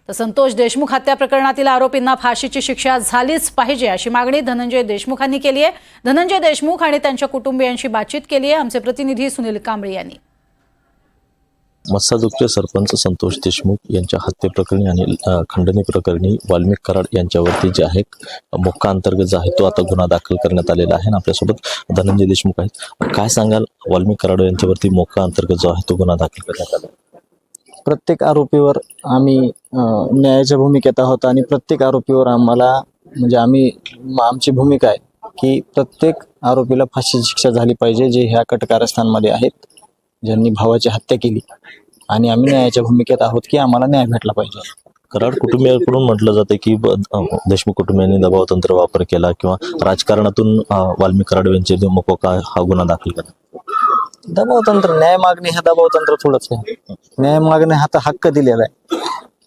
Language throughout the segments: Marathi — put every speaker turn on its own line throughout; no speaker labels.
तर संतोष देशमुख हत्या प्रकरणातील आरोपींना फाशीची शिक्षा झालीच पाहिजे अशी मागणी धनंजय देशमुखांनी केली आहे। धनंजय देशमुख आणि त्यांच्या कुटुंबियांशी बातचीत केली आहे आमचे प्रतिनिधी सुनील कांबळे यांनी।
मस्साजोगचे सरपंच संतोष देशमुख यांच्या हत्येप्रकरणी आणि खंडणी प्रकरणी वाल्मिक कराड यांच्यावरती जे आहे मोक्का अंतर्गत जो आहे तो आता गुन्हा दाखल करण्यात आलेला आहे। आपल्यासोबत धनंजय देशमुख आहेत। काय सांगाल, वाल्मिक कराड यांच्यावरती मोक्का अंतर्गत जो आहे तो गुन्हा दाखल करण्यात आला?
प्रत्येक आरोपीवर आम्ही न्यायाच्या भूमिकेत आहोत आणि प्रत्येक आरोपीवर आम्हाला आमची भूमिका आहे की प्रत्येक आरोपीला फाशीची शिक्षा झाली पाहिजे जे ह्या कटकारस्थानमध्ये आहेत, ज्यांनी भावाची हत्या केली। आणि आम्ही न्यायाच्या भूमिकेत आहोत की आम्हाला न्याय भेटला पाहिजे।
कराड कुटुंबियांकडून म्हटलं जातं की देशमुख कुटुंबियांनी दबाव तंत्र वापर केला किंवा राजकारणातून वाल्मिक कराड यांचे मोक्का हा गुन्हा दाखल केला।
दबाव तंत्र, न्याय मागणे हे दबाव तंत्र थोडंच आहे। न्याय मागणे हा तर हक्क दिलेला आहे।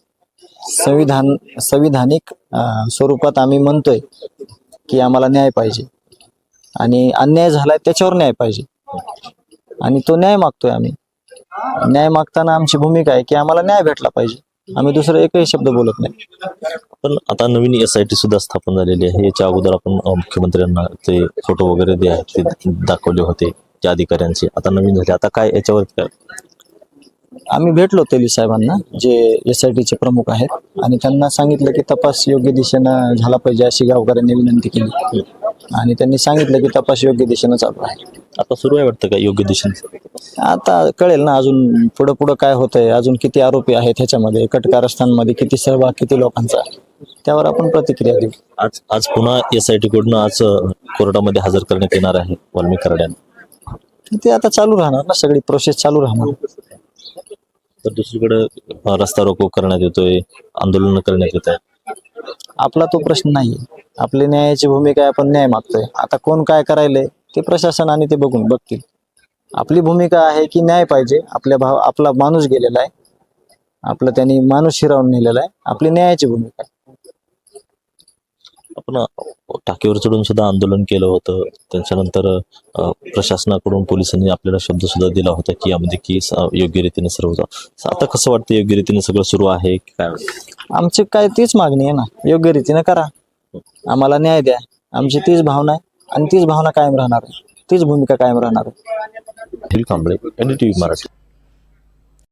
संविधानिक स्वरूपात आम्ही म्हणतोय की आम्हाला न्याय पाहिजे आणि अन्याय झालाय त्याच्यावर न्याय पाहिजे आणि तो न्याय मागतोय आम्ही। न्याय मागताना आमची भूमिका आहे की आम्हाला न्याय भेटला पाहिजे। आम्ही दुसरं एकही शब्द बोलत नाही।
पण आता नवीन SIT सुद्धा स्थापन झालेली आहे। याच्या अगोदर आपण मुख्यमंत्र्यांना ते फोटो वगैरे जे आहेत ते दाखवले होते त्या अधिकाऱ्यांचे, आता नवीन झाले, आता काय याच्यावर काय?
आम्ही भेटलो तेली साहेबांना जे SITचे प्रमुख आहेत आणि त्यांना सांगितलं की तपास योग्य दिशेनं झाला पाहिजे अशी गावकऱ्यांनी विनंती केली आणि त्यांनी सांगितलं की तपास योग्य दिशेनं चालू आहे।
आता सुरू आहे वाटतं का योग्य दिशेने?
आता कळेल ना, अजून पुढं काय होतंय, अजून किती आरोपी आहेत ह्याच्यामध्ये, कटकारस्थानमध्ये किती सहभाग, किती लोकांचा, त्यावर आपण प्रतिक्रिया देऊ।
आज पुन्हा SIT कडून आज कोर्टामध्ये हजर करण्यात येणार आहे वाल्मिक कराड यांना।
ते आता चालू राहणार ना, सगळी प्रोसेस चालू राहणार।
तर दुसरीकडे रस्ता रोको करण्यात येतोय, आंदोलन करण्यात येत आहे।
आपला तो प्रश्न नाहीये। आपली न्यायाची भूमिका आहे, आपण न्याय मागतोय। आता कोण काय करायलंय ते प्रशासन आणि ते बघतील। आपली भूमिका आहे की न्याय पाहिजे। आपला माणूस गेलेला आहे, आपलं त्यांनी माणूस हिरावून नेलेला आहे, आपली न्यायाची भूमिका आहे।
आपण टाकीवर चढून सुद्धा आंदोलन केलं होतं, त्याच्यानंतर प्रशासनाकडून पोलिसांनी आपल्याला शब्द सुद्धा दिला होता की यामध्ये की योग्य रीतीने सर्व होतं। आता कसं वाटतं, योग्य रीतीने सगळं सुरू आहे की काय?
आमची काय तीच मागणी आहे ना, योग्य रीतीने करा, आम्हाला न्याय द्या। आमची तीच भावना आहे आणि तीच भावना कायम राहणार आहे, तीच भूमिका कायम राहणार आहे।
कांबळे, NDTV मराठी।